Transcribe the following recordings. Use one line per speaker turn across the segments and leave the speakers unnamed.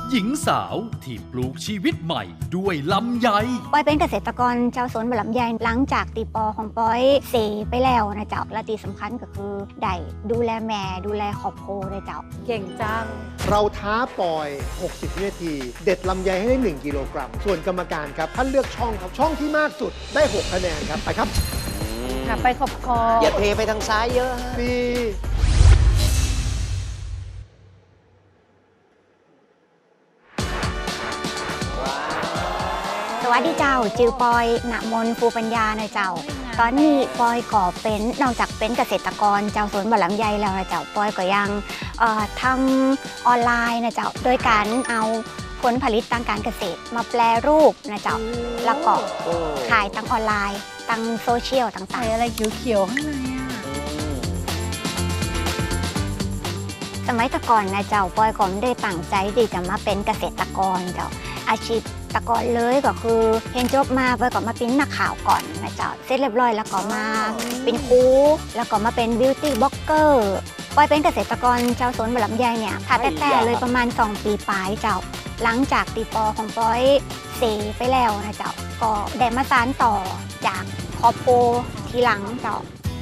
หญิงสาวที่ปลูกชีวิตใหม่ด้วยลำไย
ปอยเป็นเกษตรกรเจ้าสวนบะลำไยหลังจากตีปอของปอยเสไปแล้วนะเจ้าและที่สำคัญก็คือได้ดูแลแม่ดูแลครอบครัวเลยเจ้า
เก่งจัง
เราท้าปอย 60 วินาที เด็ดลำไยให้ได้ 1 กิโลกรัม ส่วนกรรมการครับท่านเลือกช่องครับช่องที่มากสุดได้ 6 คะแนนครับ ไปครับ
ไปขอบคอ
อย่าเทไปทางซ้ายเยอะฮะ
4
สวัสดีเจ้าจือปอยณมนภูปัญญานะเจ้าตอนนี้ปอยก็เป็นนอกจากเป็นเกษตรกรเจ้าสวนบะลำไยแล้วนะเจ้าปอยก็ยังทำออนไลน์นะเจ้าโดยการเอาผลผลิตทางการเกษตรมาแปลรูปนะเจ้าแล้วก็ขายทั้งออนไลน์ทั้งโซเชียลต่างๆ
ใส่อะไรเขียวๆข้างใน
สมัยก่อนนะเจ้าปอยก็ไม่ได้ตั้งใจที่จะมาเป็นเกษตรกรเจ้าอาชีพตะกอนเลยก็คือเรียนจบมาปอยก็มาเป็นนักข่าวก่อนนะเจ้าเสร็จเรียบร้อยแล้วก็มาเป็นครูแล้วก็มาเป็นบิวตี้บล็อกเกอร์ปอยเป็นเกษตรกรเจ้าสวนบะลำไยเนี่ยถ้าแต่เลยประมาณ2 ปีปลายเจ้าหลังจากตีปอของปอยเสไปแล้วนะเจ้าก็ได้มาสานต่อจากครอบครัวทีหลังเจ้า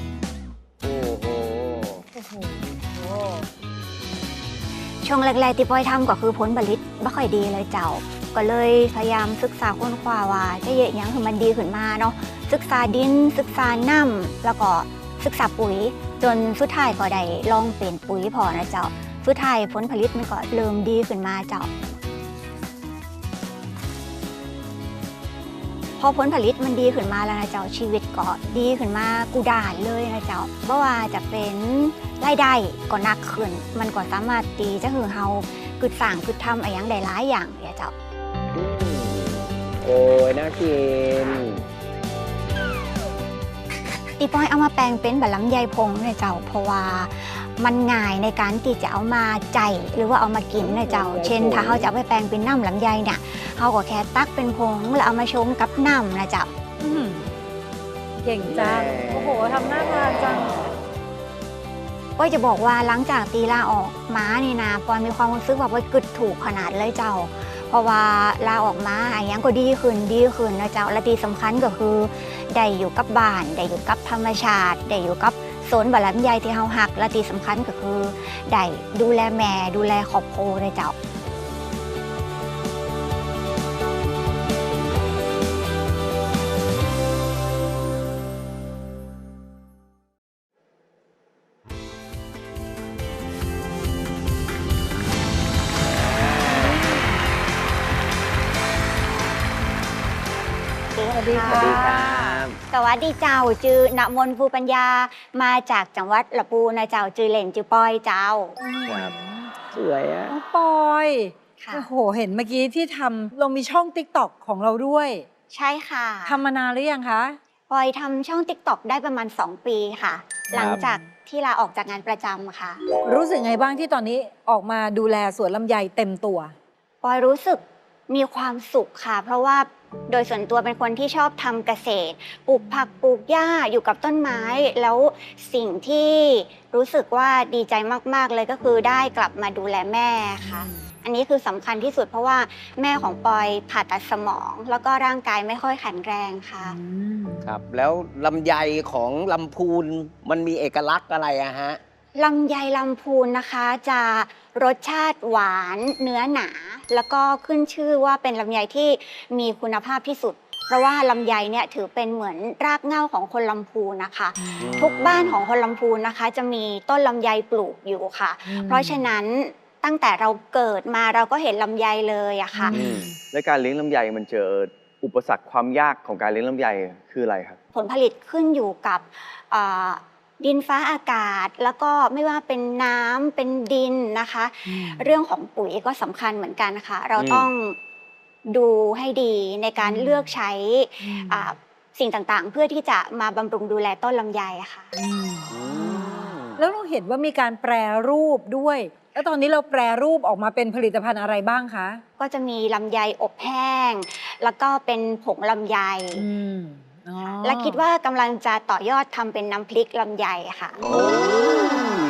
ช่วงแรกๆที่ปอยทำก็คือผลผลิตไม่ค่อยดีเลยเจ้าก็เลยพยายามศึกษาค้นคว้าว่าจะเยอะอย่างคือมันดีขึ้นมาเนาะศึกษาดินศึกษาน้ำแล้วก็ศึกษาปุ๋ยจนสุดท้ายก็ได้ลองเปลี่ยนปุ๋ยพอนะเจ้าสุดท้ายผลผลิตมันก็เริ่มดีขึ้นมาเจ้าพอผลผลิตมันดีขึ้นมาแล้วนะเจ้าชีวิตก็ดีขึ้นมากูด่านเลยนะเจ้าเพราะว่าจะเป็นรายได้ก็หนักขึ้นมันก็สามารถตีจะคือเฮาคือสั่งคือทำอะไรอย่างใดหลายอย่างเนี่ยเจ้า
โอ้ยน่ากิน
ตีปอยเอามาแปลงเป็นบะลำไยพงเนี่ยเจ้าเพราะว่ามันง่ายในการที่จะเอามาใจหรือว่าเอามากินเนี่ยเจ้าเช่นถ้าเขาจะเอาไปแปลงเป็นน้ำลำไยเนี่ยเขาก็แค่ตักเป็นผงแล้วเอามาชงกับน้ำนะเจ้า
เก่งจังโอ้โหทำหน้าทานจัง
ปอยจะบอกว่าหลังจากตีลาออกม้านี่นะปอยมีความรู้สึกว่าปอยกึดถูกขนาดเลยเจ้าเพราะว่าลาออกมาอะไรอย่างก็ดีขึ้นนะเจ้าและที่สำคัญก็คือได้อยู่กับบ้านได้อยู่กับธรรมชาติได้อยู่กับสวนบะลำไยที่เฮาฮักและที่สำคัญก็คือได้ดูแลแม่ดูแลครอบครัวเลยเจ้า
สวัสดีค่ะ
สวัสดีเจ้าจือณมนภูปัญญามาจากจังหวัดละปูนะเจ้าจือเหล่นจือปอยเจ้า
ครับสวยอ่ะ
ปอยโอ้โหเห็นเมื่อกี้ที่ทำเรามีช่อง TikTok ของเราด้วย
ใช่ค่ะ
ทำมานานหรือยังคะ
ปอยทำช่อง TikTok ได้ประมาณ2 ปีค่ะหลังจากที่ลาออกจากงานประจำค่ะ
รู้สึกไงบ้างที่ตอนนี้ออกมาดูแลสวนลำไยเต็มตัว
ปอยรู้สึกมีความสุขค่ะเพราะว่าโดยส่วนตัวเป็นคนที่ชอบทำเกษตรปลูกผักปลูกหญ้าอยู่กับต้นไม้แล้วสิ่งที่รู้สึกว่าดีใจมากๆเลยก็คือได้กลับมาดูแลแม่ค่ะอันนี้คือสำคัญที่สุดเพราะว่าแม่ของปอยผ่าตัดสมองแล้วก็ร่างกายไม่ค่อยแข็งแรงค่ะ
ครับแล้วลำไยของลำพูนมันมีเอกลักษณ์อะไรอะฮะ
ลำไยลำพูนนะคะจะรสชาติหวานเนื้อหนาแล้วก็ขึ้นชื่อว่าเป็นลำไยที่มีคุณภาพที่สุดเพราะว่าลำไยเนี่ยถือเป็นเหมือนรากเหง้าของคนลำพูนนะคะทุกบ้านของคนลำพูนนะคะจะมีต้นลำไยปลูกอยู่ค่ะเพราะฉะนั้นตั้งแต่เราเกิดมาเราก็เห็นลำไยเลยอะค่ะ
และการเลี้ยงลำไยมันเจออุปสรรคความยากของการเลี้ยงลำไยคืออะไรครับ
ผลผลิตขึ้นอยู่กับดินฟ้าอากาศแล้วก็ไม่ว่าเป็นน้ำเป็นดินนะคะเรื่องของปุ๋ยก็สำคัญเหมือนกันนะคะเราต้องดูให้ดีในการเลือกใช้สิ่งต่างๆเพื่อที่จะมาบำรุงดูแลต้นลำไยค่ะ
แล้วเราเห็นว่ามีการแปรรูปด้วยแล้วตอนนี้เราแปรรูปออกมาเป็นผลิตภัณฑ์อะไรบ้างคะ
ก็จะมีลำไยอบแห้งแล้วก็เป็นผงลำไยและคิดว่ากำลังจะต่อยอดทำเป็นน้ำพริกลำไยค่ะ
เนื้อ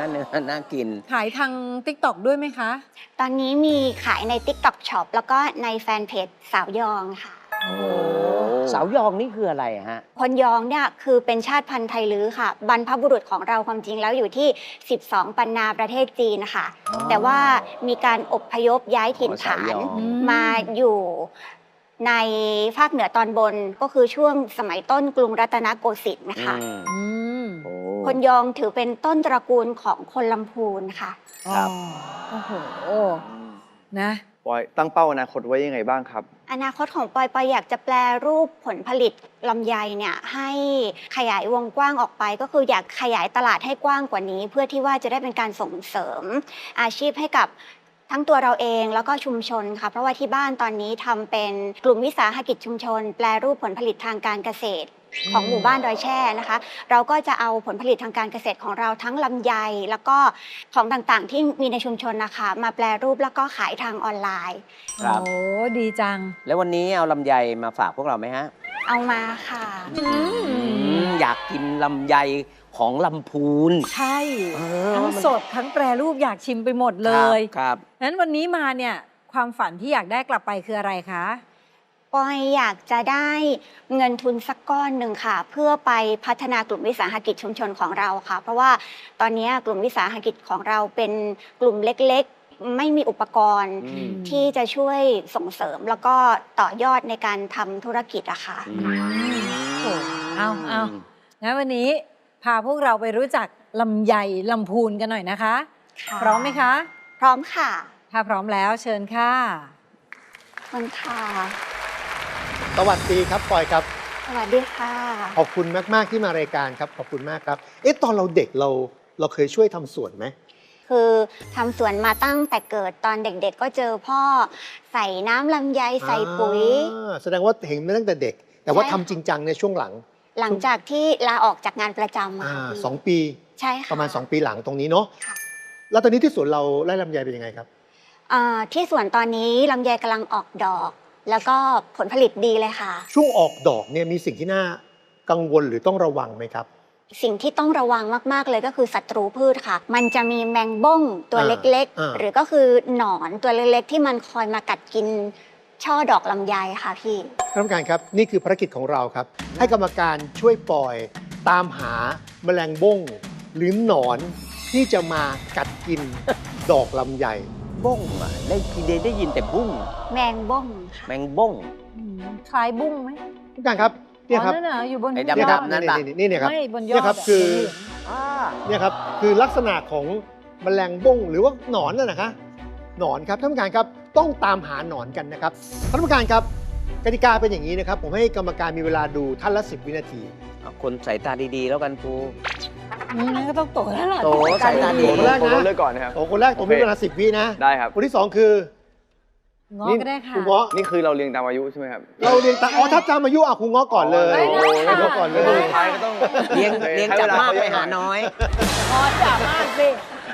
เนื้อน่ากิน
ขายทาง TikTok ด้วยไหมคะ
ตอนนี้มีขายใน TikTok Shop แล้วก็ในแฟนเพจสาวยองค่ะ
โอ้สาวยองนี่คืออะไรฮะ
คนยองเนี่ยคือเป็นชาติพันธุ์ไทลื้อค่ะ บรรพบุรุษของเราความจริงแล้วอยู่ที่ 12 ปันนาประเทศจีนนะคะ
อ๋อ
แต่ว่ามีการอพยพย้ายถิ่นฐาน
สาวยอง
มาอยู่ในภาคเหนือตอนบนก็คือช่วงสมัยต้นกรุงรัตนโกสินทร์นะคะ
อืม
อืม
โอ้
คนยองถือเป็นต้นตระกูลของคนลำพูนค่ะ
ครับ
โอ้โห นะ
ปอยตั้งเป้าอนาคตไว้ยังไงบ้างครับ
อนาคตของปอยอยากจะแปลรูปผลผลิตลำไยเนี่ยให้ขยายวงกว้างออกไป ก็คืออยากขยายตลาดให้กว้างกว่านี้ เพื่อที่ว่าจะได้เป็นการส่งเสริมอาชีพให้กับทั้งตัวเราเองแล้วก็ชุมชนค่ะเพราะว่าที่บ้านตอนนี้ทำเป็นกลุ่มวิสาหกิจชุมชน แปลรูปผลผลิตทางการเกษตรของหมู่บ้านดอยแช่นะคะ เราก็จะเอาผลผลิตทางการเกษตรของเราทั้งลำไยแล้วก็ของต่างๆ ที่มีในชุมชนนะคะมาแปลรูปแล้วก็ขายทางออนไลน์
ครับ
โอ้ดีจัง
แล้ววันนี้เอาลำไยมาฝากพวกเราไหมฮะ
เอามาค่ะ
อยากกินลำไยของลำพูน
ใช่
เออ
ทั้ง
มัน
สดทั้งแปรรูปอยากชิมไปหมดเลย
ครับ
นั้นวันนี้มาเนี่ย ความฝันที่อยากได้กลับไปคืออะไรคะ
ปอยอยากจะได้เงินทุนสักก้อนหนึ่งค่ะ เพื่อไปพัฒนากลุ่มวิสาหกิจชุมชนของเราค่ะ เพราะว่าตอนนี้กลุ่มวิสาหกิจของเราเป็นกลุ่มเล็กๆ ไม่มีอุปกรณ์
อืม
ที่จะช่วยส่งเสริมแล้วก็ต่อยอดในการทำธุรกิจอะค่ะ
โอ้เอางั้นวันนี้พาพวกเราไปรู้จักลำไยลำพูนกันหน่อยนะคะ
ค่ะ
พร้อมไหมคะ
พร้อมค่ะ
ถ้าพร้อมแล้วเชิญค่ะ
ขอบคุณค่ะ
สวัสดีครับปอยครับ
สวัสดีค่ะ
ขอบคุณมาก ๆ ที่มารายการครับ ขอบคุณมากครับ เอ๊ะ ตอนเราเด็กเราเคยช่วยทำสวนไหม
คือทำสวนมาตั้งแต่เกิดตอนเด็กๆ ก็เจอพ่อใส่น้ำลำไยใส่ปุ๋ย
แสดงว่าเห็นมาตั้งแต่เด็ก แต่ว่า
ใช่
ทำจริงจังในช่วงหลัง
หลังจากที่ลาออกจากงานประจำมาค่ะพี่
2 ปี
ใช่ค่ะ
ประมาณ 2 ปีหลังตรงนี้เนาะ
ค่ะ
แล้วตอนนี้ที่สวนเราไร่ลำไยเป็นยังไงครับ
ที่สวนตอนนี้ลำไยกำลังออกดอก แล้วก็ผลผลิตดีเลยค่ะ
ช่วงออกดอกเนี่ยมีสิ่งที่น่ากังวลหรือต้องระวังไหมครับ
สิ่งที่ต้องระวังมากๆเลยก็คือศัตรูพืชค่ะ มันจะมีแมงบ้งตัวเล็ก
อ่า
ๆ หรือก็คือหนอนตัวเล็กๆ ที่มันคอยมากัดกินช่อดอกลำไยค่ะพี่
ท่านผู้การครับนี่คือภารกิจของเราครับ ให้กรรมการช่วยปล่อยตามหาแมลงบ้งหรือหนอนที่จะมากัดกิน ดอกลำไย
บ้งอ่ะได้ยินแต่บุ้ง
แมงบ้งค่ะ
แมงบ้ง
คล้ายบุ้งไหม
ท่านผู้การครับเนี่ยครับ
อ๋อนั่นน่ะอยู่บน
ไอ้
ยอ
เนี่ยครับ
นั่นปะ
นี่เนี่ยครับ
ไม่บนยอ
เนี่
ด
ยครับ
ะ
คือ
เหลือง
เนี่ยครับคือลักษณะของแมลงบ้งหรือว่าหนอนน่ะนะคะหนอนครับท่านผู้การครับต้องตามหาหนอนกันนะครับท่านผู้การครับกติกาเป็นอย่างนี้นะครับ ผมให้กรรมการมีเวลาดูท่านละ10 วินาที
เอาคนสายตาดีๆ แล้วกันครู
งั้นก็ต้องโตแล้วล่ะ
โตสายตาดี
คนแรก
ผม
นะ
เลือกก่อนนะครับ
โอ้คนแรกผมมีเวลา10 วินะ
ได้ครับ
คนที่ 2 คือ
ง้อก็ได้ค่ะ
ครูเงาะ
นี่คือเราเรียงตามอายุใช่ไหมครับ
เราเรียงตามอ๋อถ้าจำอายุครูเงาะก่อนเลย
ได้
โอ้โห
ค่ะ
เงาะก่อนเลย
สุดท้ายก็ต้อง
เลี้ยงจากมากไปหาน้อย
ง้อจ๋ามากสิ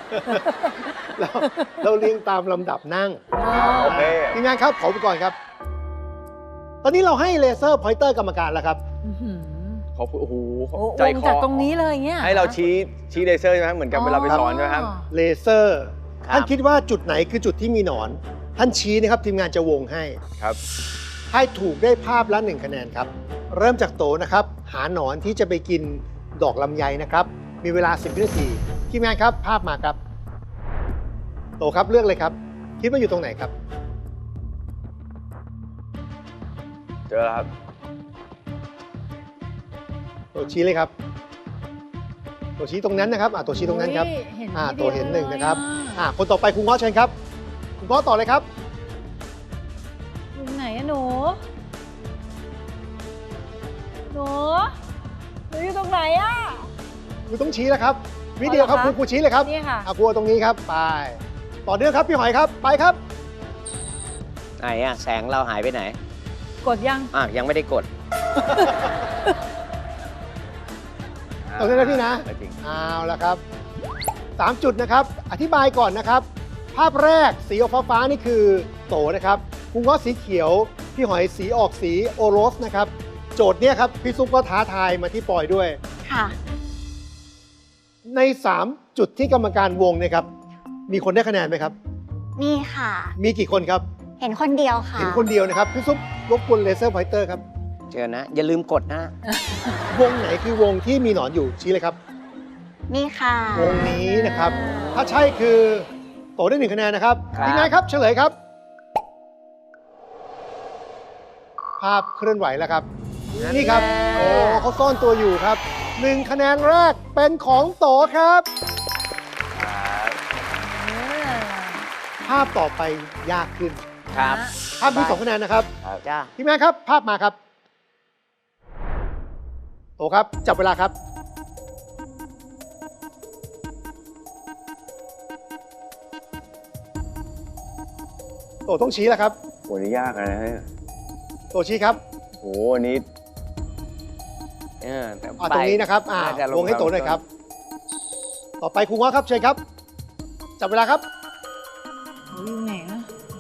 เราเรียงตามลำดับนั่ง
โอเค
ทีมงานครับขออุปกรณ์ครับ ตอนนี้เราให้เลเซอร์พอยเตอร์กรรมการแล้วครับ
อื้อหือ
ขอบคุณโอ้โห
โอ้
ใจ
วง
คอ
จากตรงนี้เลยเงี้ย
ให้เราชี้เลเซอร์ใช่ไหมเหมือนกับเวลาไปสอนใช่ไหมครับ
เลเซอร์
ครับ
ท่านคิดว่าจุดไหนคือจุดที่มีหนอน ท่านชี้นะครับทีมงานจะวงให้
ครับ
ให้ถูกได้ภาพละ1 คะแนนครับ เริ่มจากโตนะครับ หาหนอนที่จะไปกินดอกลำไยนะครับ มีเวลา10 วินาทีทีมงานครับภาพมาครับ โตครับเลือกเลยครับ คิดว่าอยู่ตรงไหนครับ
เจอแล้วครับ
โตชี้เลยครับโตชี้ตรงนั้นนะครับโตชี้ตรงนั้นครับ
โอ้ยเห็น
โตเห็น
ทีดียว
หนึ่งนะครับ
เลย
คนต่อไปคุณง้อเชิญครับคุณง้อต่อเลยครับ
อยู่ไหนอะหนูหนูอยู่ตรงไหนอะ
คุณต้องชี้แล้วครับวิเดียวครับ
อ๋อเหรอคะ
ครูชี้เลยครับ
นี่ค่ะ
ครูเอาตรงนี้ครับไปต่อเนื่องครับพี่หอยครับไปครับ
ไหนอะแสงเราหายไปไหน
กดยัง
ยังไม่ได้กด
ตรงนี้นะพี่นะ
จริง
เอาละครับ3 จุดนะครับ อธิบายก่อนนะครับ ภาพแรกสีออกฟ้าๆนี่คือโตนะครับคุณง้อสีเขียว พี่หอยสีออกสีโอโรสนะครับ โจทย์เนี่ยครับพี่ซุปก็ท้าทายมาที่ปอยด้วย
ค่ะ
ใน 3 จุดที่กรรมการวงเนี่ยครับมีคนได้คะแนนไหมครับ
มีค่ะ
มีกี่คนครับ
เห็นคนเดียวค่ะ
เห็นคนเดียวนะครับพี่ซุปรบกวนเลเซอร์พอยเตอร์ครับ
เจอนะ อย่าลืมกดนะ
วงไหนคือวงที่มีหนอนอยู่ชี้เลยครับ
นี่ค่ะ
วงนี้นะครับ ถ้าใช่คือโตได้1คะแนนนะครับ
ครับ
ทีมงานครับเฉลยครับ ภาพเคลื่อนไหวแล้วครับ นี่ครับ โอ้เขาซ่อนตัวอยู่ครับ1คะแนนแรกเป็นของโตครับ ภาพต่อไปยากขึ้น
ครับ
ภาพมี2คะแนนนะครับ
จ้า
ทีมงานครับ ภาพมาครับ โตครับจับเวลาครับ โตต้องชี้แล้วครับ
โหนี่ยากนะเนี่ย
โตชี้ครับ
โหอันนี้
แต่
ตรงนี้นะครับ
น่าจะลง
วงให้โตหน่อยครับ ต่อไปครูง้อครับเชิญครับ จับเวลาครับ
เขาอยู่ไหนอะ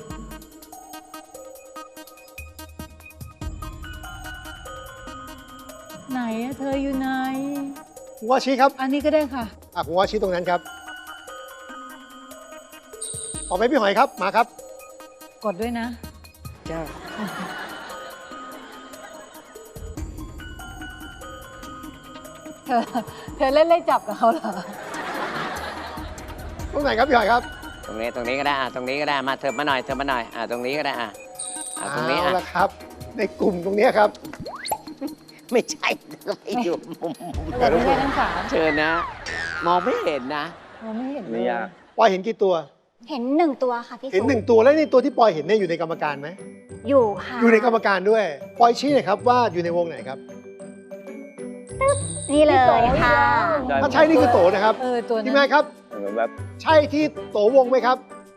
ไหนอะเธออยู่ไหน
ครูง้อชี้ครับ
อันนี้ก็ได้ค่ะ
ครูง้อชี้ตรงนั้นครับ ต่อไปพี่หอยครับ มาครับ
กดด้วยนะ
จ้า
เธอเล่นไล่จับกับเขาเหรอ
ตรงไหนครับพี่หอยครับ
ตรงนี้ก็ได้ตรงนี้ก็ได้มาเถิบมาหน่อยตรงนี้ก็ได้ตรงนี้
เอาละครับ ในกลุ่มตรงนี้ครับ
ไม่ใช่ไม่อยู่มุม
เราไม่ได้ทั้งสาม
เชิญนะ มองไม่เห็นนะ
เราไม่เห็นเล
นี่
ย
ยาก
ปอยเห็นกี่ตัว
เห็น1 ตัวค่ะพี่
เห็น
สุ
หนึ่งตัวแล้วในตัวที่ปอยเห็นเนี่ยอยู่ในกรรมการไหม
อยู่ค่ะ
อยู่ในกรรมการด้วย ปอยชี้หน่อยครับว่าอยู่ในวงไหนครับ
นี่เลยค่ะ
ได้
ถ้าใช่นี่คือโตนะครับ
ตัว
ที
นั้
มงาน
น
ครับ
เหมือนแบบ
ใช่ที่โตวงไหมครับ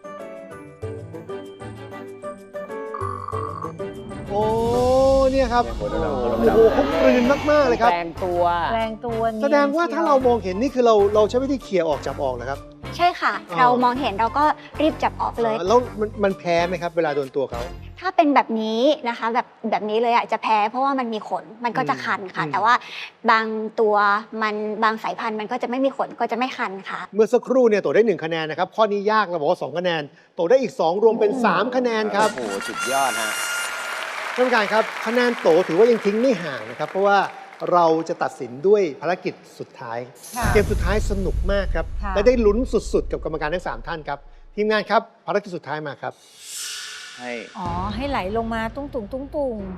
โอ้เนี่ยครับ
โห
โอ้
ดำๆ
โหเขากลืนมากๆเลยครับ
แปลงตัว
แรงตัวนี้
แสดงว่าถ้าเรามองเห็นนี่คือเราใช้วิธีเคลียร์ออกจับออกนะครับ
ใช่ค่ะ
อ๋อ
เรามองเห็นเราก็รีบจับออกเลย
แล้วมันแพ้ไหมครับ เวลาโดนตัวเขา
ถ้าเป็นแบบนี้นะคะแบบนี้เลยอ่ะจะแพ้เพราะว่ามันมีขนมันก็จะคันค่ะ แต่ว่าบางตัวบางสายพันธุ์มันก็จะไม่มีขนก็จะไม่คันค่ะ
เมื่อสักครู่เนี่ยโตได้1คะแนนนะครับ ข้อนี้ยากเราบอกว่า2คะแนน โตได้อีก 2 รวมเป็น 3 คะแนนครับ
โอ้โหสุดยอดฮะ
ท่านผู้การครับคะแนนโตถือว่ายังทิ้งไม่ห่างนะครับ เพราะว่าเราจะตัดสินด้วยภารกิจสุดท้าย
ค่ะ
เกมสุดท้ายสนุกมากครับ
ค่ะ
และได้ลุ้นสุดๆ กับกรรมการทั้ง3ท่านครับ ทีมงานครับภารกิจสุดท้ายมาครับ
ให้
อ๋อ ให้ไหลลงมาตุ้งตุงตุ้งตุง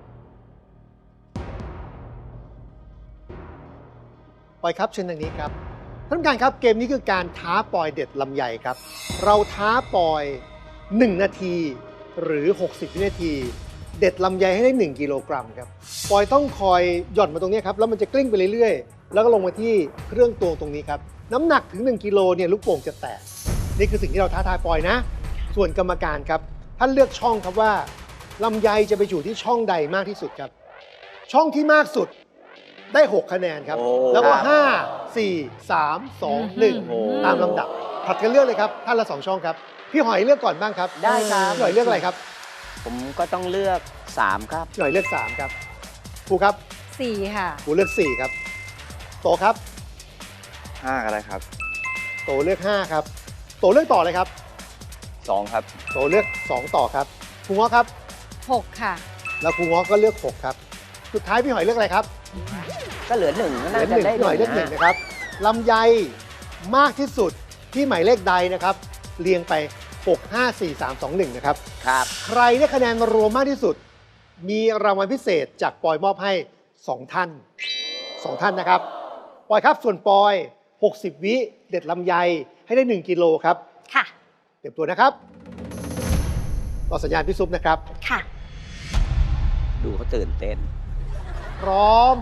ปอยครับเชิญทางนี้ครับท่านผู้การครับเกมนี้คือการท้าปอยเด็ดลำไยครับ เราท้าปอย 1 นาทีหรือ 60 วินาที เด็ดลำไยให้ได้ 1 กิโลกรัมครับปอยต้องคอยหย่อนมาตรงนี้ครับแล้วมันจะกลิ้งไปเรื่อยๆ แล้วก็ลงมาที่เครื่องตวงตรงนี้ครับน้ำหนักถึง 1 กิโลเนี่ยลูกโป่งจะแตกนี่คือสิ่งที่เราท้าทายปอยนะ ส่วนกรรมการครับท่านเลือกช่องครับว่าลำไยจะไปอยู่ที่ช่องใดมากที่สุดครับ ช่องที่มากสุดได้ 6 คะแนนครับ
โอ้
แล้วก็
ครับ
5 4 3 2
โอ้โห
1 ตามลำดับผัดกันเลือกเลยครับท่านละ 2 ช่องครับ พี่หอยเลือกก่อนบ้างครับ
ได้ครับ
พี่หอยเลือกอะไรครับ
ผมก็ต้องเลือก 3 ครับ
พี่หอยเลือก 3 ครับครูครับ
4 ค่ะ
ครูเลือก 4 ครับ โตครับ
5ก็ได้ครับ
โตเลือก 5 ครับ โตเลือกต่อเลยครับ
2 ครับ
โตเลือก 2 ต่อครับครูง้อครับ
6 ค่ะ
แล้วครูง้อก็เลือก 6 ครับ สุดท้ายพี่หอยเลือกอะไรครับ
ก็เหลือ 1 ก็
เหลื
น่า
อ
จะ
1
ได้
พี่หอยเลือก 1 นะครับลำไยมากที่สุดที่หมายเลขใดนะครับ เรียงไป 6 5 4 3 2 1 นะครับ
ครับ
ใครได้คะแนนรวมมากที่สุด มีรางวัลพิเศษจากปอยมอบให้ 2 ท่าน 2 ท่านนะครับ ปอยครับส่วนปอย 60 วิเด็ดลำไยให้ได้ 1 กิโลครับ
ค่ะ
เตรียมตัวนะครับรอสัญญาณพี่ซุปนะครับ
ค่ะ
ดูเขาตื่นเต้น
พร้อม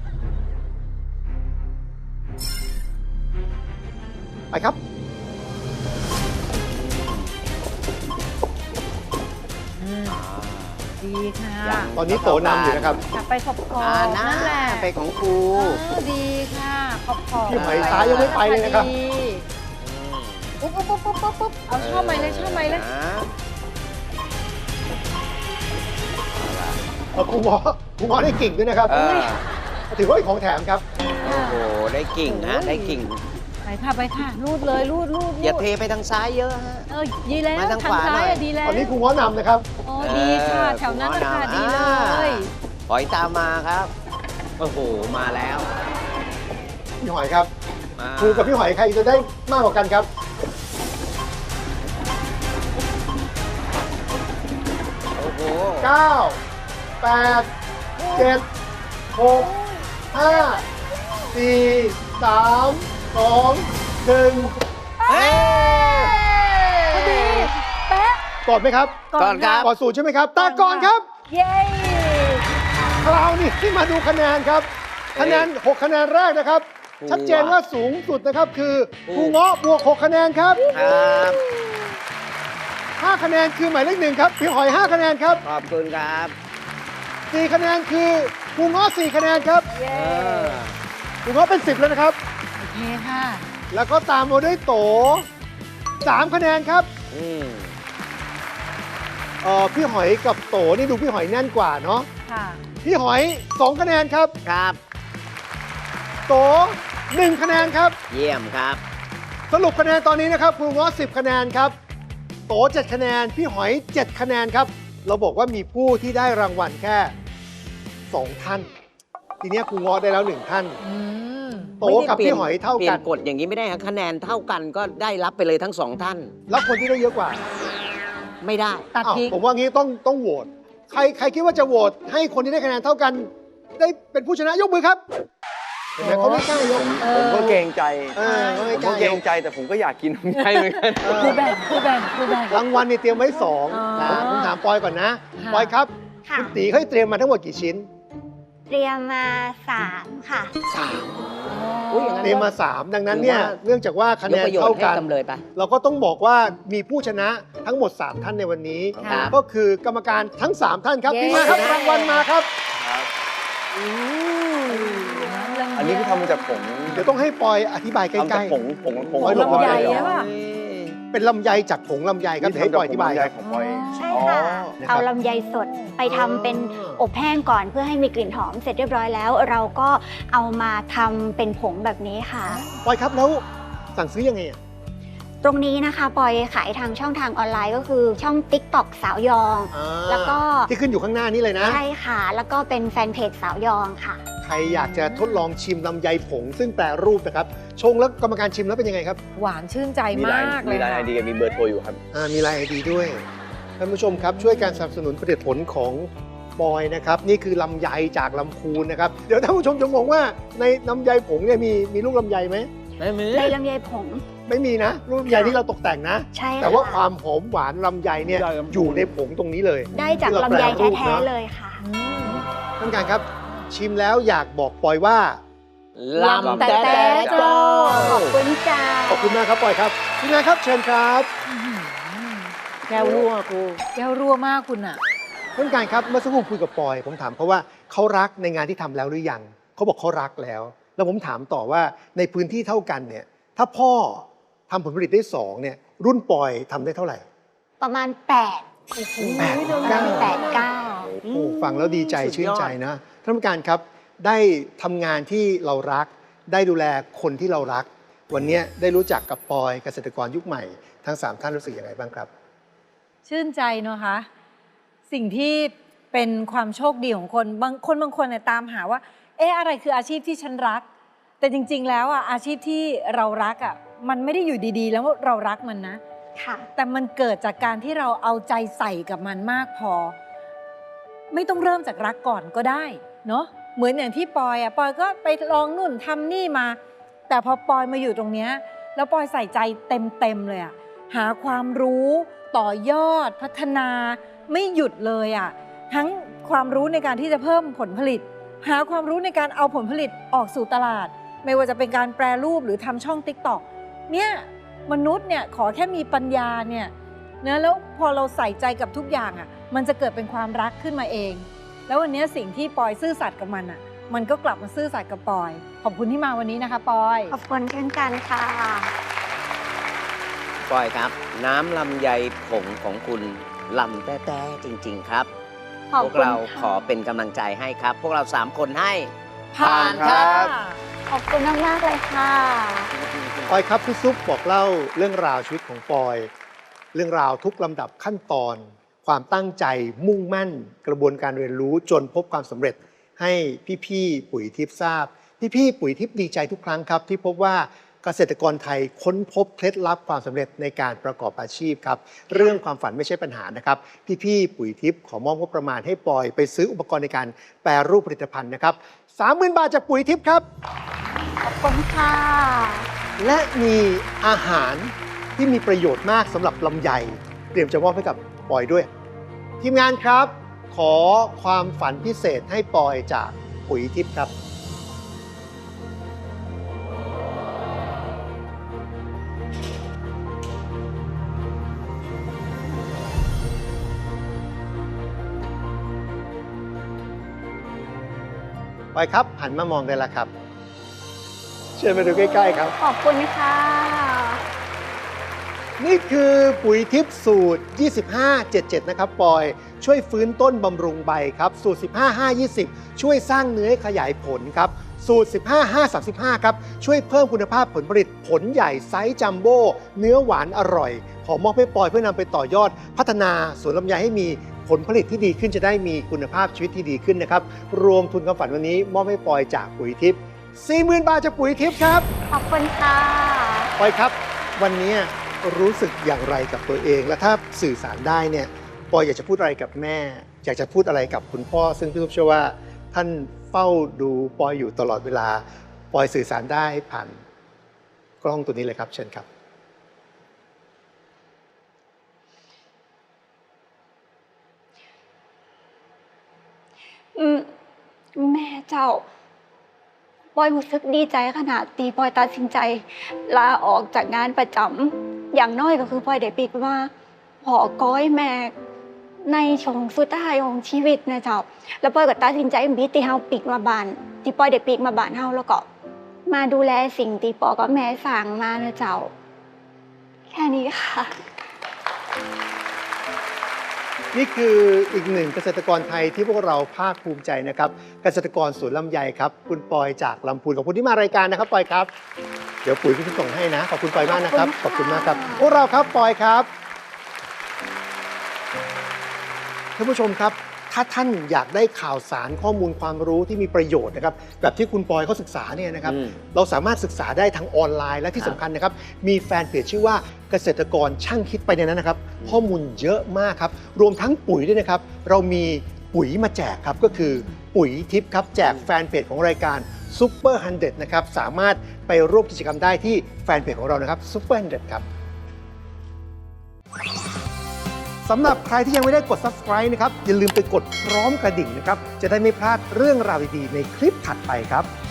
ไปครับ
ดีค่ะ
ยัง
ตอนนี้โตนำอยู่นะครับ
กลับไปขอบขอบ
น่า
นั่นแหละ
ไปของครู
ดีค่ะ ขอบขอบ
พี่หอยซ้ายยังไม่ไปเลยนะครับ
ดีปุ๊บปุ๊บปุ๊บปุ๊บปุ๊บเอาชอบไหมเลยชอบไหมเลย
ครูหมอได้กิ่งด้วยนะครับ
เออ
ถือว่าเป็นของแถมครับ
โอ้โห ได้กิ่งฮะ ได้กิ่ง
ไปค่ะไปค่ะรูดเลยรูด
อย่าเทไปทางซ้ายเยอะฮะ
ดีแล้ว
มาทาง
ทาง
ขวา
ซ้าย
หน่อย
อะดีแล้ว
ตอนนี้ครูง้อนำนะครับ
โอ้ดีค่ะ แถวนั้นราคาดีเลย
หอยตามมาครับ โอ้โห มาแล้ว
พี่หอยครับ
มา
ครูกับพี่หอยใครจะได้มากกว่ากันครับ
โอ้โห
9 8 7 6 5 4 3 2 1
เฮ้ย
พอดีแป๊ะ
กอดไหมครับ
ก่อนครับ
กอดสูตรใช่ไหมครับตาก่อนครับ
เย้
คราวนี้ที่มาดูคะแนนครับ คะแนน 6 คะแนนแรกนะครับ ชัดเจนว่าสูงสุดนะครับคือครูเงาะบวก 6 คะแนนครับ
ครับ
5 คะแนนคือหมายเลข 1 ครับ พี่หอย 5 คะแนนครับ
ขอบคุณครับ
4 คะแนนคือครูเงาะ4 คะแนนครับ
เย้
ครูเงาะเป็น 10 แล้วนะครับ
โอเคค่ะ
แล้วก็ตามมาด้วยโต 3 คะแนนครับ
อืม
พี่หอยกับโตนี่ดูพี่หอยแน่นกว่าเนาะ
ค่ะ
พี่หอย 2 คะแนนครับ
ครับ
โต 1 คะแนนครับ
เยี่ยมครับ
สรุปคะแนนตอนนี้นะครับครูเงาะ10 คะแนนครับ โต 7 คะแนน พี่หอย 7 คะแนนครับ เราบอกว่ามีผู้ที่ได้รางวัลแค่ 2 ท่าน ทีเนี้ยครูเงาะได้แล้ว 1 ท่าน
อืม
โตกับพี่หอยเท่า
เปลี่
กั
ย
น
นกฎอย่างนี้ไม่ได้ครับคะแนนเท่ากันก็ได้รับไปเลยทั้งสองท่าน
แล้วคนที่ได้เยอะกว่า
ไม่ได้
ตัด
อ้าว
ทิ้ง
ผมว่างี้ต้องโหวตใครคิดว่าจะโหวตให้คนที่ได้คะแนนเท่ากัน ได้เป็นผู้ชนะยกมือครับเห็นไหมเขาไม่กล้ายก
ผมก็เกรงใจ
เขา
ผ
ไม่
ม
ก
ก็
ล้า
เกร
ย
ง
ก
ใจแต่ผมก็อยากกินลำไยเหมือนกัน
ครูแบ่งครูแบ่งครูแบ่ง
รางวัลนี่เตรียมไว้สอง
อ๋อ
ผมถามปอยก่อนนะ
ค่ะ
ปอยครับ
ค่ะ
คุณตีเขาให้เตรียมมาทั้งหมดกี่ชิ้น
เตรียมมา 3 ค่ะ
อุ๊ยอย่างนั้น
เตรียมมา 3 ดังนั้นเนี่ย
ถือว่า
เนื่องจากว่าคะ
ย
แน
ก
น
ประโยช
เท่า
น์ให้
กัน
จำเลยไป
เราก็ต้องบอกว่ามีผู้ชนะทั้งหมด 3 ท่านในวันนี้
ครับ
ก็คือกรรมการทั้ง 3 ท่านครับ
เย้
ที่มาครับรางวัลมาครับ
อันนี้คือทำมาจากผง
เดี๋ยวต้องให้ปอยอธิบายใก
ทำจา
ล้
กผง
ปอยหลบ
ลำไย
ปอยหลบ
ใช่ป่ะ
เป็นลำไยจากผงลำไยครับ
นี่
เดี๋ยวให้
ทำ
ป
จาก
อยอธิบาย
ผงลำ
ค
ไย
รับ
ของปอย
ใช่ค่ะ
นะครับ
เอาลำไยสดไปทำเป็นอบแห้งก่อนเพื่อให้มีกลิ่นหอมเสร็จเรียบร้อยแล้ว เราก็เอามาทำเป็นผงแบบนี้ค่ะ
ปอยครับแล้วสั่งซื้อยังไงอ่ะ
ตรงนี้นะคะปอยขายทางช่องทางออนไลน์ก็คือช่อง TikTok สาวยอง
อ่า
แล้วก็
ที่ขึ้นอยู่ข้างหน้านี้เลยนะ
ใช่ค่ะ แล้วก็เป็นแฟนเพจสาวยองค่ะ
ใครอยากจะทดลองชิมลำไยผง ซึ่งแปรรูปนะครับชงแล้วกรรมการชิมแล้วเป็นยังไงครับ
หวานชื่นใจ
มี
มากเล
มี
ย
ไลน์ไอ
ค่ะ
เดียมีเบอร์โทรอยู่ครับ
มีไลน์ไอดีด้วยท่านผู้ชมครับช่วยการสนับสนุนผลิตผลของบอยนะครับนี่คือลำไยจากลำพูนนะครับเดี๋ยวท่านผู้ชมจะงงว่าในลำไยผงเนี่ยมีลูกลำไยไหม
ไม่มี
ในลำไยผง
ไม่มีนะลูกลำไยที่เราตกแต่งนะ
ใช่ค่ะ
แต่ว่าความหอมหวานลำไยเนี่ย
ได้ครับ
อยู่ในผงตรงนี้เลย
ได้จาก
ที่เร
ลำไย
ปรรูป
แท้
นะ
ๆเลยค่ะ
ท่านผู้การครับชิมแล้วอยากบอกปอยว่า
ลำ
แต่
แต่
โจ้
ขอบคุณจ้า
ขอบคุณมากครับปอยครับทีมงานครับเชิญครับ
แก้วรั่วกู
แก้วรั่วมากคุณอ่ะ
ท่านผู้การครับเมื่อสักครู่คุยกับปอย ผมถามเขาว่าเขารักในงานที่ทำแล้วหรือยังเขาบอกเขารักแล้ว แล้วผมถามต่อว่าในพื้นที่เท่ากันเนี่ยถ้าพ่อทำผลผลิตได้2เนี่ยรุ่นปอยทำได้เท่าไหร่
ประมาณ8
8
9
โอ้ฟังแล้วดีใจชื่นใจนะท่านผู้การครับได้ทำงานที่เรารัก ได้ดูแลคนที่เรารัก วันนี้ได้รู้จักกับปอยเกษตรกรยุคใหม่ทั้ง3ท่านรู้สึกยังไงบ้างครับ
ชื่นใจเนอะคะ สิ่งที่เป็นความโชคดีของคนบางคนเนี่ยตามหาว่า อะไรคืออาชีพที่ฉันรัก แต่จริง ๆ แล้วอ่ะอาชีพที่เรารักอ่ะมันไม่ได้อยู่ดีๆ แล้วเรารักมันนะ
ค่ะ
แต่มันเกิดจากการที่เราเอาใจใส่กับมันมากพอ ไม่ต้องเริ่มจากรักก่อนก็ได้เนาะเหมือนอย่างที่ปอยอ่ะปอยก็ไปลองนู่นทำนี่มา แต่พอปอยมาอยู่ตรงเนี้ยแล้วปอยใส่ใจเต็มเลยอ่ะหาความรู้ต่อยอดพัฒนาไม่หยุดเลยอ่ะทั้งความรู้ในการที่จะเพิ่มผลผลิต หาความรู้ในการเอาผลผลิตออกสู่ตลาด ไม่ว่าจะเป็นการแปรรูปหรือทำช่อง TikTok เนี่ยมนุษย์เนี่ยขอแค่มีปัญญาเนี่ยนะแล้วพอเราใส่ใจกับทุกอย่างอ่ะมันจะเกิดเป็นความรักขึ้นมาเอง แล้ววันนี้สิ่งที่ปอยซื่อสัตย์กับมันอ่ะมันก็กลับมาซื่อสัตย์กับปอยขอบคุณที่มาวันนี้นะคะปอย
ขอบคุณเช่นกันค่ะ
ปอยครับ น้ำลำไยผงของคุณลำแต่จริง ๆ ครับ
ขอบ
พวก
คุณ
เรา
ค่ะ
ขอเป็นกำลังใจให้ครับ พวกเรา3 คนให้
ผ่านค่ะ
ขอบคุณมากๆเลยค่ะ
ค
ปอยครับพี่ซุปบอกเล่าเรื่องราวชีวิตของปอย เรื่องราวทุกลำดับขั้นตอน ความตั้งใจมุ่งมั่น กระบวนการเรียนรู้จนพบความสำเร็จให้พี่ๆปุ๋ยทิพย์ทราบ พี่ๆปุ๋ยทิพย์ดีใจทุกครั้งครับที่พบว่าเกษตรกรไทยค้นพบเคล็ดลับความสำเร็จในการประกอบอาชีพครับเรื่องความฝันไม่ใช่ปัญหานะครับพี่ๆปุ๋ยทิพย์ขอมอบงบประมาณให้ปอยไปซื้ออุปกรณ์ในการแปรรูปผลิตภัณฑ์นะครับ 30,000 บาทจากปุ๋ยทิพย์ครับ
ขอบคุณค่ะ
และมีอาหารที่มีประโยชน์มากสำหรับลำไยเตรียมจะมอบให้กับปอยด้วย ทีมงานครับ ขอความฝันพิเศษให้ปอยจากปุ๋ยทิพย์ครับ ปอยครับหันมามองได้แล้วครับ เชิญมาดูใกล้ๆครับ
ขอบคุณค่ะ
นี่คือปุ๋ยทิพย์สูตร 25-77 นะครับปอย ช่วยฟื้นต้นบำรุงใบครับ สูตร 15-5-20 ช่วยสร้างเนื้อให้ขยายผลครับ สูตร 15-5-35 ครับ ช่วยเพิ่มคุณภาพผลผลิตผลใหญ่ไซส์จัมโบ้เนื้อหวานอร่อย ขอมอบให้ปอยเพื่อนำไปต่อยอด พัฒนาสวนลำไยให้มีผลผลิตที่ดีขึ้นจะได้มีคุณภาพชีวิตที่ดีขึ้นนะครับ รวมทุนความฝันวันนี้มอบให้ปอยจากปุ๋ยทิพย์ 40,000 บาทจากปุ๋ยทิพย์ครับ
ขอบคุณค่ะ
ปอยครับ วันนี้รู้สึกอย่างไรกับตัวเอง และถ้าสื่อสารได้เนี่ยปอยอยากจะพูดอะไรกับแม่ อยากจะพูดอะไรกับคุณพ่อ ซึ่งพี่ทุกเชื่อว่าท่านเฝ้าดูปอยอยู่ตลอดเวลาปอยสื่อสารได้ผ่านกล้องตัวนี้เลยครับเชิญครับ
แม่เจ้าปอยรู้สึกดีใจขนาดตีปอยตัดสินใจลาออกจากงานประจำอย่างน้อยก็คือปอยได้ปิกว่าพอก้อยแม่ในช่วงสุดท้ายของชีวิตนะเจ้าแล้วปอยก็ตัดสินใจบิดที่เฮาปิกมาบ้านที่ปอยได้ปิกมาบ้านเฮาแล้วก็มาดูแลสิ่งที่ปอกับแม่สั่งมานะเจ้าแค่นี้ค่ะ
นี่คืออีกหนึ่งเกษตรกรไทยที่พวกเราภาคภูมิใจนะครับเกษตรกรสวนลำไยครับคุณปอยจากลำพูนขอบคุณที่มารายการนะครับปอยครับเดี๋ยวปุ๋ยพี่ส่งให้นะขอบคุณปอยมากนะครับขอบคุณมากครับพวกเราครับปอยครับท่านผู้ชมครับถ้าท่านอยากได้ข่าวสารข้อมูลความรู้ที่มีประโยชน์นะครับแบบที่คุณปอยเขาศึกษาเนี่ยนะครับเราสามารถศึกษาได้ทั้งออนไลน์และที่สำคัญนะครับมีแฟนเพจชื่อว่าเกษตรกรช่างคิดไปในนั้นนะครับข้อมูลเยอะมากครับรวมทั้งปุ๋ยด้วยนะครับเรามีปุ๋ยมาแจกครับก็คือปุ๋ยทิพย์ครับแจกแฟนเพจของรายการซูเปอร์100นะครับสามารถไปร่วมกิจกรรมได้ที่แฟนเพจของเรานะครับซูเปอร์100ครับสำหรับใครที่ยังไม่ได้กด subscribe นะครับอย่าลืมไปกดพร้อมกระดิ่งนะครับจะได้ไม่พลาดเรื่องราวดีๆในคลิปถัดไปครับ